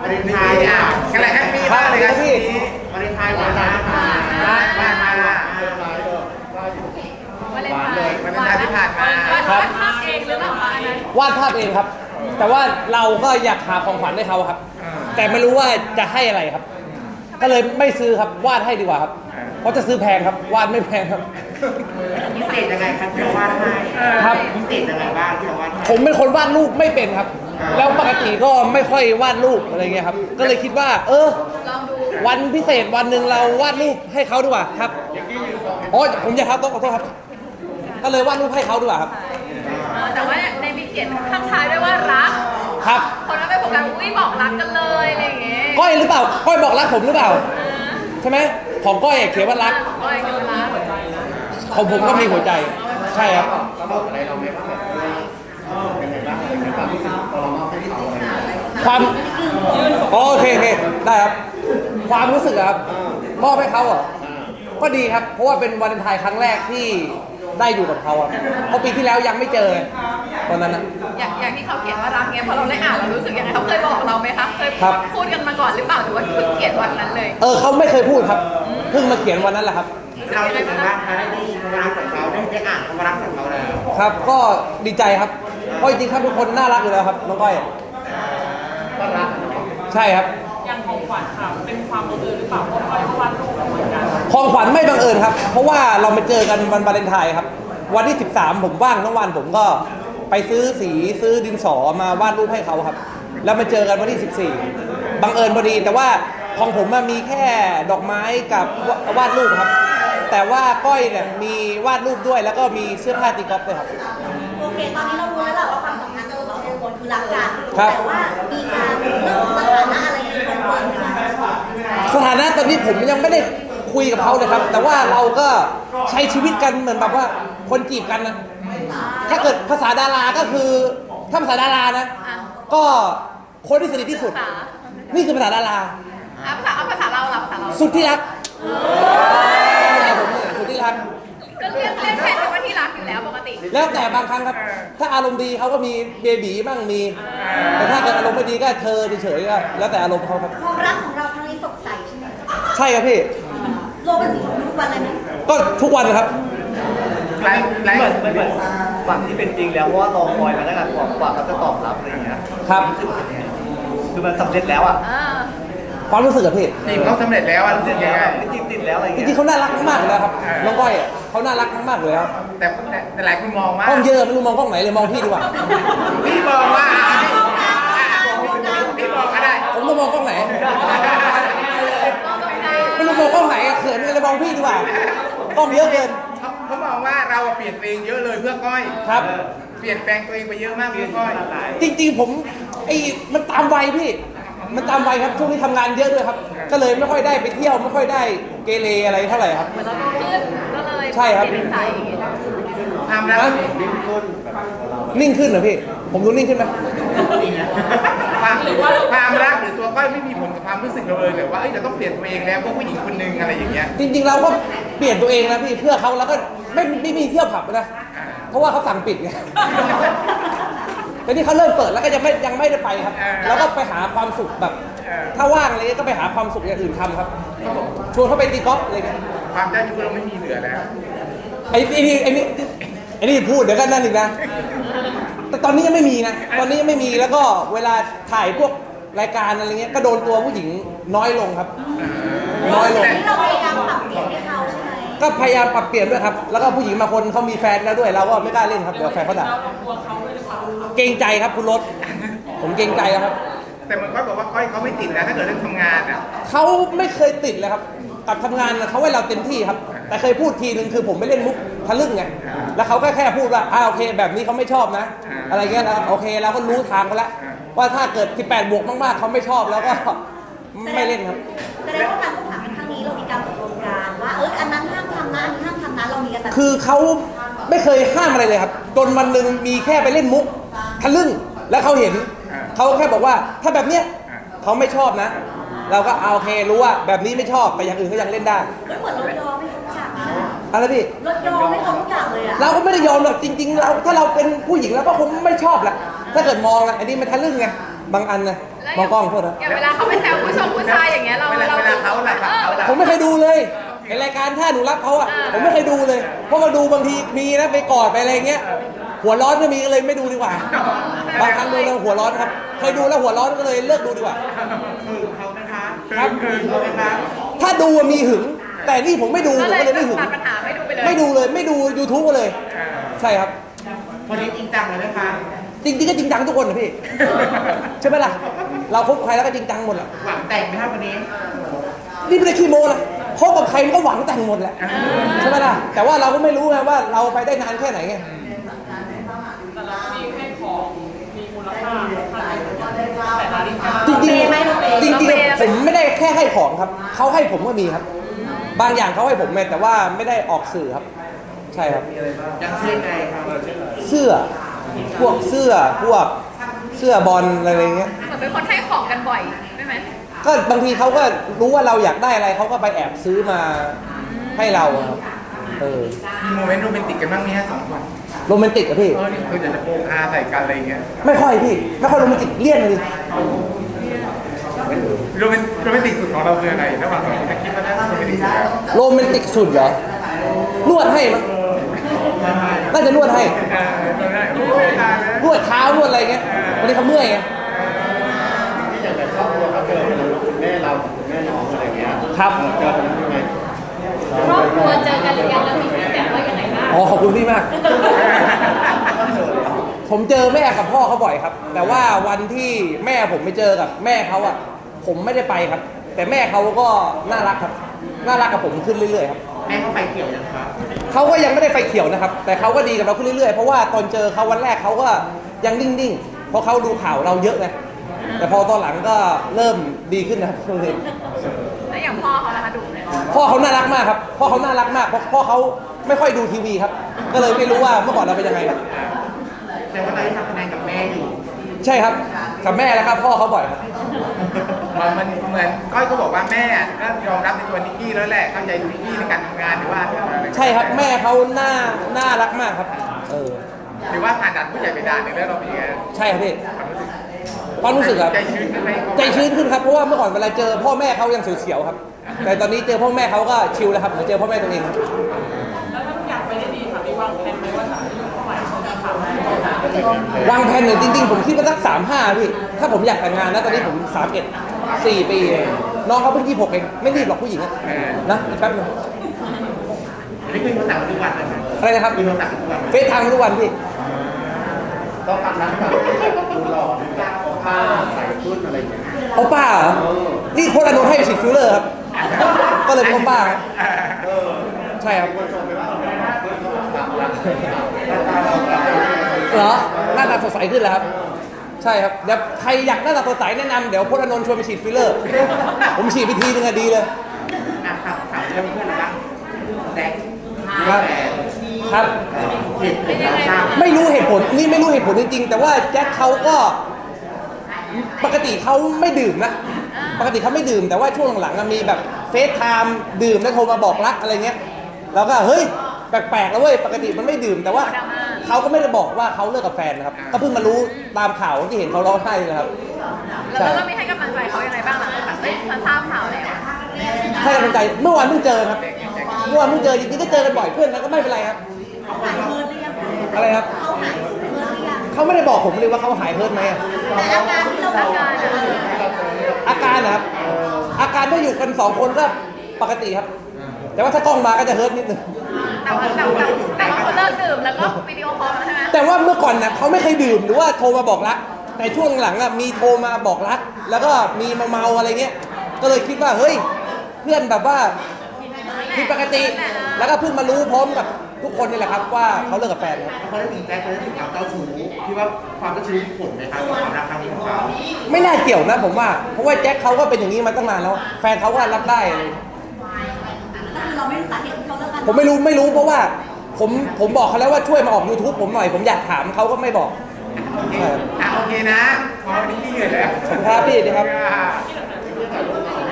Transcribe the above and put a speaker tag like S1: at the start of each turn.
S1: วาเลนไทน์อะไรแฮปปี้มากเลยครับพี่วาเลนไทน์หวานมากวาเลนไทน์ที่ผ่านมาวาดภาพเองหรือเปล่าว
S2: าดภาพเองครับ แต่ว่าเราก็อยากหาของขวัญให้เขาครับ แต่ไม่รู้ว่าจะให้อะไรครับ ก็เลยไม่ซื้อครับวาดให้ดีกว่าครับเพราะจะซื้อแพงครับวาดไม่แพงครับ
S1: พิเศษยังไงครับที่เราวาดให้
S2: ครับ
S1: พิเศษยังไงบ้างที่เราวาด
S2: ผมเป็นคนวาดรูปไม่เป็นครับ แล้วปกติก็ไม่ค่อยวาดรูปอะไรเงี้ยครับก็เลยคิดว่าวันพิเศษวันหนึ่งเราวาดรูปให้เขาดีกว่าครับอ๋อผมอยากครับต้องขอโทษครับก็เลยวาดรูปให้เขาดีกว่าครับ
S3: แต่ว่าในมีเขียนข้างท้ายด้วยว่ารัก
S2: ครับ
S3: คนนั้นไปบอกกันอุ้ยบอกรักกันเลยอะไรอย่างเงี้ย
S2: ก้อยหรือเปล่าก้อยบอกรักผมหรือเปล่าใช่ไหมของก้อยเขียนว่ารัก
S3: ก้อยคือรัก
S2: ของผมก็มีหัวใจใช่ครับความโอเคได้ครับความรู้สึกครับมอบให้เขาเหรอก็ดีครับเพราะว่าเป็นวาเลนไทน์ครั้งแรกที่ได้อยู่กับเขาครับเพราะปีที่แล้วยังไม่เจอตอนนั้นนะ
S3: อย่างที่เขาเขียนว่ารักเงี้ยพอเราได้อ่านเรารู้สึกยังไงเขาเคยบอกเราไหมคะเคยพูดกันมาก่อนหรือเปล่าหรือว่าเพิ่งเขียนวันนั้นเลย
S2: เขาไม่เคยพูดครับเพิ่งมาเขียนวันนั้นแหละครับ
S1: เราเป็นยังไงบ้างคะได้ยินความรักของเขาได้อ่านความรักของเขาแล้ว
S2: ครับก็ดีใจครับเพราะจริงๆครับทุกคนน่ารักอยู่แล้วครับน้องก้อย
S1: น่ารัก
S2: ใช่ครับ
S4: อย่างของขวัญค่ะเป็นความบังเอิญหรือเปล่าเพราะก้อยเขาวาดรูปเหมือนกัน
S2: ของขวัญไม่บังเอิญครับเพราะว่าเรามาเจอกันวันวาเลนไทน์ครับวันที่13ผมว่างทั้งวันผมก็ไปซื้อสีซื้อดินสอมาวาดรูปให้เขาครับแล้วมาเจอกันวันที่14บังเอิญพอดีแต่ว่าของผมมีแค่ดอกไม้กับวาดรูปครับแต่ว่าก้อยเนี่ยมีวาดรูปด้วยแล้วก็มีเสื้อผ้าตีกอล์ฟด้วยครับ
S5: โอเคตอนนี้เรารู้แล้วแหละว่าความสัมพันธ์ของเราสองคนคือรักกัน
S2: แต่
S5: ว่ามีการเรื่องสถานะอะไรในคนเปิดไหมคะ
S2: สถานะตอนนี้ผมยังไม่ได้คุยกับเขาเลยครับแต่ว่าเราก็ใช้ชีวิตกันเหมือนแบบว่าคนจีบกันนะถ้าเกิดภาษาดาราก็คือถ้าภาษาดารานะก็คนที่สนิทที่สุดนี่คือภาษาดารา
S3: ภาษาเรา
S2: สุดที่รักสุดที่รัก
S3: ก็เรียกแค่ว่าที่รักอยู่แล้วปกติ
S2: แล้วแต่บางครั้งครับถ้าอารมณ์ดีเขาก็มีเบบีบ้างมีแต่ถ้าเกิดอารมณ์ไม่ดีก็เธอเฉยๆก็แล้วแต่อารมณ์เขาครับ
S5: ความรักของเราครั้งนี้สดใสใช่ไหม
S2: ใช่ครับพี่
S5: โรแมนติกทุกวันเลยไหม
S2: ก็ทุกวันครับ
S6: เหมือนฝั่งที่เป็นจริงแล้วเพราะว่ารอคอยมาตั้งแต่กว่าเขาจะตอบรับอะไรอย่างเงี้ย
S2: ครับ
S6: คือมันสำเร็จแล้วอ่ะ
S2: ความรู้สึกกับพี่
S1: ทีมเขาสำเร็จแล้วรู้สึกยังไง
S6: ติดแล้วอะไร
S2: จริงๆเขาน่ารักมากเลยครับน้องก้อยเขาน่ารักมากเลยครับ
S1: แต่หลายคนมองว่าก
S2: ล้องเยอะไม่รู้มองกล้องไหนเลยมองพี่ดีกว่า
S1: พี่มองว่าพี่มองก็ได้
S2: ผมต้องมองกล้องไหนไม่รู้มองกล้องไหนเขินเลยมองพี่ดีกว่ากล้องเยอะเกิน
S1: เขามองว่าเราเปลี่ยนตัวเองเยอะเลยเพื่อก้อย
S2: ครับ
S1: เปลี่ยนแปลงตัวเองไปเยอะมากเพื่อก้อย
S2: จริงๆผมมันตามวัยพี่มันตามวัยครับช่วงนี้ทำงานเยอะด้วยครับก็เลยไม่ค่อยได้ไปเที่ยวไม่ค่อยได้เกเรอะไรเท่าไหร่ครับ
S3: เหมือนเราโตขึ้นก็เลย
S2: ใช่ครับ
S1: ทำแล้ว
S2: นิ่งขึ้นเหรอพี่ผมดูนิ่งขึ้นไหม
S1: ความรักหรือตัวก้อยไม่มีผลกับความรู้สึกเราเลยหรือว่าจะต้องเปลี่ยนตัวเองแล้วเพราะผู้หญิงคนนึงอะไรอย่างเงี้ย
S2: จริงๆเราก็เปลี่ยนตัวเองนะพี่เพื่อเขาแล้วก็ไม่มีเที่ยวผับนะเพราะว่าเขาสั่งปิดไงแต่นี่เขาเริ่มเปิดแล้วก็ยังไม่ได้ไปครับแล้วก็ไปหาความสุขแบบถ้าว่างอะไรก็ไปหาความสุขอย่างอื่นทำครับชวนเขาไปตีกอล์ฟอะไรเงี้ย
S1: ความเจ้าชู้เราไม่มีเหลือแล้ว
S2: ไอ้นี่พูดเดี๋ยวกันนั่นอีกนะแต่ตอนนี้ยังไม่มีนะตอนนี้ยังไม่มีแล้วก็เวลาถ่ายพวกรายการอะไรเงี้ยก็โดนตัวผู้หญิงน้อยลงครับน้อยลง
S5: เราพยายามปรับเปลี่ยนให้เขาใช่ไหม
S2: ก็พยายามปรับเปลี่ยนด้วยครับแล้วก็ผู้หญิงบางคนเขามีแฟนแล้วด้วยเราก็ไม่กล้าเล่นครับเดี๋ยวแฟนเขาด่าเกรงใจครับคุณรถผมเกรงใจครับ
S1: แต่มันก็บอกว่าก้อยเขาไม่ติดนะถ้าเกิดเรื่องทำงานอ่ะ
S2: เขาไม่เคยติดเลยครับกับทำงานเขาให้เราเต็มที่ครับแต่เคยพูดทีนึงคือผมไม่เล่นมุกทะลึ่งไงแล้วเขาก็แค่พูดว่าโอเคแบบนี้เขาไม่ชอบนะอะไรเงี้ยโอเคเราก็รู้ทางเขาแล้วว่าถ้าเกิด18 บวกมากๆเขาไม่ชอบแล้วก็ไม่เล่นครับ
S5: แสดงว่าการคบหาครั้งนี้เรามีการตกลงกันว่าอันนั้นห้ามทำนะอันนี้ห้ามทำนะเรามีกัน
S2: คือเขาไม่เคยห้ามอะไรเลยครับจนวันหนึ่งมีแค่ไปเล่นมุกทะลึ่งแล้วเขาเห็นเขาแค่บอกว่าถ้าแบบเนี้ยเขาไม่ชอบนะเราก็โอเครู้ว่าแบบนี้ไม่ชอบแต่อย่างอื่นก็ยังเล่นได้
S5: เหมือนเรายอมไม่เขารู้จัก
S2: อะไรพี่
S5: เรายอมไม่เขารู้จักเลยอะ
S2: เราก็ไม่ได้ยอมหรอกจริงๆเราถ้าเราเป็นผู้หญิงเราก็คงไม่ชอบแหละถ้าเกิดมองนะอันนี้มันทะลึ่งไงบางอันนะมองกล้องโทษนะ
S3: อย่างเวลาเขาไปแซวผู้ชายอย่างเงี้ยเรา
S1: เวลาเขาแหละครับเขาแหละ
S2: ผมไม่เคยดูเลยในรายการถ้าหนูรักเขาอ่ะผมไม่เคยดูเลย เพราะมาดูบางทีมีนะไปกอดไปอะไรเงี้ยหัวร้อนก็มีก็เลยไม่ดูดีกว่าบางครั้งดูแล้วหัวร้อนครับเคยดูแล้วหัวร้อนก็เลยเลิกดูดีกว่า
S1: เขานะคะ
S2: ครับ
S1: เขานะคะ
S2: ถ้าดูอะมีหึง แต่นี่ผมไม่ดูผม
S3: ก็เลย
S2: ก็เลยไม่หึง
S3: ตัดปัญหาไม่ดูไปเลย
S2: ไม่ดูเลยไม่ดู YouTube ก็เลย ใช่ครับ
S1: วันนี้จริงจังเลยนะคะ
S2: จริงๆก็จริงจังทุกคนนะพี่ ใช่ไหมล่ะ เราคบใครแล้วก็จริงจังหมดแหละ
S1: หวังแต่งไหมครับวันนี้
S2: นี่ไม่ได้ขี้โม้นะคบกับใครมันก็หวังแต่งหมดแหละใช่ไหมล่ะแต่ว่าเราก็ไม่รู้ไงว่าเราไปได้นานแค่ไหนไง
S4: แต่เราก็มีให้ของมีมูลค่าแต่นาฬิกา
S2: จริงๆจริงๆผมไม่ได้แค่ให้ของครับเขาให้ผมก็มีครับ บางอย่างเขาให้ผมแต่ว่าไม่ได้ออกสื่อครับ ใช่ครับ
S1: ยังเชื่อใจครับ
S2: เสื้อพวกเสื้อพวกเสื้อบอลอะไรเงี้ย
S3: เหมือนเป็นคนให้ของกันบ่อยใช่ไหม
S2: ก็บางทีเขาก็รู้ว่าเราอยากได้อะไรเขาก็ไปแอบซื้อมาให้เราครับ
S1: มีโมเมนต์โรแมนติกกันบ้างไหมฮะสองคน
S2: โรแมนติกอะพี่
S1: นี่คือจะโปกอาใส่กันอะไรเงี้ย
S2: ไม่ค่อยพี่ไม่ค่อยโรแมนติกเลี่ยนเลย
S1: โรแมนติกสุดของเราคืออะไรระหว่างสองคนจะคิดว่าน่าจะโรแมนติกสุดแล้ว
S2: โรแมนติกสุดเหรอนวดให้มั้งน่าจะนวดให้
S1: โอ้ยตายแล้ว
S2: นวดเท้านวดอะไรเงี้ยวันนี้เขาเมื่อยไง
S6: ที่อย่างแบบครอบครัวเขาเจอคุณแม่เรากับคุณแม่น้องอะไรเงี้ย
S2: ครับ
S6: เจอกันยังไง
S3: ครอบครัวเจอกันหรือยังแล้วมีฟีดแบ็กว่ายังไงบ้าง
S2: อ๋อขอบคุณพี่มาก ผมเจอแม่กับพ่อเขาบ่อยครับ แต่ว่าวันที่แม่ผมไปเจอกับแม่เขาอ่ะผมไม่ได้ไปครับ แต่แม่เขาก็น่ารักครับน่ารักกับผมขึ้นเรื่อยๆครับ
S1: แม่เขาไฟเขียวยังครับ
S2: เขาก็ยังไม่ได้ไฟเขียวนะครับ แต่เขาก็ดีกับเราขึ้นเรื่อยๆเพราะว่าตอนเจอเขาวันแรกเขาก็ยังนิ่งๆเพราะเขาดูข่าวเราเยอะไงแต่พอตอนหลังก็เริ่มดีขึ้นนะครับ
S3: แล้วอย่างพ่อเขาล่ะคะดูไหม
S2: พ่อเขาน่ารักมากครับพ่อเขาน่ารักมากเพราะพ่อเขาไม่ค่อยดูทีวีครับ ก็เลยไม่รู้ว่าเมื่อก่อนเราเป็นยังไงครับ
S1: แต่ว่าเราได้ทำคะแนนกับแม่อยู่
S2: ใช่ครับกับแม่แล้วครับพ่อเขาบ่อยครับ
S1: มันเหมือนก้อยก็บอกว่าแม่ก็ยอมรับในตัวนิกกี้แล้วแหละเข้าใจนิกกี้ในการทำงานหรือว่าอะไร
S2: ใช่ครับแม่เขาน่ารักมากครับ
S1: หรือว่าผ่านด่านผู้ใหญ่ไปด่านหนึ่งแล้วเราเป็นยังไง
S2: ใช่ครับพี่ความรู้สึกครับ
S1: ใจชื้นขึ้นไหม
S2: ใจชื้นขึ้นครับเพราะว่าเมื่อก่อนเวลาเจอพ่อแม่เขายังเสียวๆครับ แต่ตอนนี้เจอพ่อแม่เขาก็ชิลแล้วครับเหมือนเจอพ่อแม่ตัวเองครับ
S4: แล้วถ้าทุกอย่างไปได้ดีค่ะมีวางแผนไหมว่าจะอายุเท่าไหร่จะถาม
S2: วางแผนเนี่ยจริงๆผมคิดว่าสัก35พี่ถ้าผมอยากแต่งงานนะตอนนี้ผม31 4 ปีเองน้องเขาเพิ่ง26เองไม่รีบหรอกผู้หญิงนะอีกแป๊บนึง
S1: นี่คือภาษาทุกวันเลย
S2: อะไรนะครับ
S1: มีภาษาทุกวัน
S2: เฟซไทม์ทุกวันพี่
S6: ต้องทำนั้นแบบดูหล่อดูแบบผ้าใส่ชุดอะไรอย่างเงี้ย
S2: เอาป้าเหรอนี่โพลานนท์ให้ไปฉีดฟิลเลอร์ครับ ก็เลยเป็นเอาป้าครับใช่ครับเหรอหน้าตาสดใสขึ้นแล้วครับ ใช่ครับเดี๋ยวใครอยากหน้าตาสดใสแนะนำเดี๋ยวโพลานนท์ชวนไปฉีดฟิลเลอร์ ผมฉีดไปทีนึงอะดีเลย
S1: ครับถามเรื่องเพื่อนนะแดก
S2: ครับครับ
S3: เป็นยังไงบ้าง
S2: ไม่รู้เหตุผลนี่ไม่รู้เหตุผลจริงๆ แต่ว่าแจ็คเขาก็ปกติเขาไม่ดื่มนะปกติเขาไม่ดื่มแต่ว่าช่วงหลังๆมีแบบเฟซไทม์ดื่มแล้วโทรมาบอกรักอะไรเงี้ยแล้วก็เฮ้ยแปลกๆแล้วเว้ยปกติมันไม่ดื่มแต่ว่าเขาก็ไม่ได้บอกว่าเขาเลิกกับแฟนนะครับก็เพิ่งมารู้ตามข่าวที่เห็นเขาร้องไห้นะครับ
S3: แล้วเราไม่ให้กำลังใจเขายังไงบ้างหลังจากแบบฉันทราบข่าวแล้ว
S2: ให้กำลังใจเมื่อวานเพิ่งเจอครับเมื่อวานเพิ่งเจอจริงๆก็เจอกันบ่อยเพื่อนกันก็ไม่เป็นไรครับ
S5: เขาหายเฮิร์ตหรือยัง
S2: อะไรครับ
S5: เขาหายเฮิร์ตหรือยัง
S2: เขาไม่ได้บอกผมเลยว่าเขาหายเฮิร์ตไหมอะ
S5: แต่อาการที่เราอาการ
S2: อาการนะครับอาการถ้าอยู่กันสองคนก็ปกติครับ แต่ว่าถ้ากล้องมาก็จะเฮิร์ตนิดนึง
S3: แต่ว่าเขาเลิกดื่มแล้วก็วิดีโอคอลแล้วใช่ไหม
S2: แต่ว่าเมื่อก่อนนะเขาไม่เคยดื่มหรือว่าโทรมาบอกรัก แต่ช่วงหลังอะมีโทรมาบอกรัก แล้วก็มีมาเมาอะไรเงี้ยก็เลยคิดว่าเฮ้ยเพื่อนแบบว่าผิดปกติ แล้วก็เพิ่งมารู้พร้อมกับทุกคนนี่แหละครับว่าเขาเลิกกับแฟนครับ
S1: เขาได้ถึงแจ็คเขาได้ถึงความเจ้าชู้ที่ว่าความเจ้าชู้มีผลไหมครับกับความรักครั้งนี้ของเขา
S2: ไม่น่าเกี่ยวนะผมว่าเพราะว่าแจ็คเขาก็เป็นอย่างนี้มาตั้งนานแล้ว แฟนเขาก็รับได้เลย
S5: ก็คือเราไม่รู้สาเหตุที่เขาเลิกกัน
S2: ผมไม่รู้เพราะว่าผมบอกเขาแล้วว่าช่วยมาออก YouTube ผมหน่อยผมอยากถามเขาก็ไม่บอก
S1: โอเคโอเคนะพอวันนี้พี่เหนื่อยแล้ว
S2: ขอบคุณครับพี่ดีครับ
S1: ครับ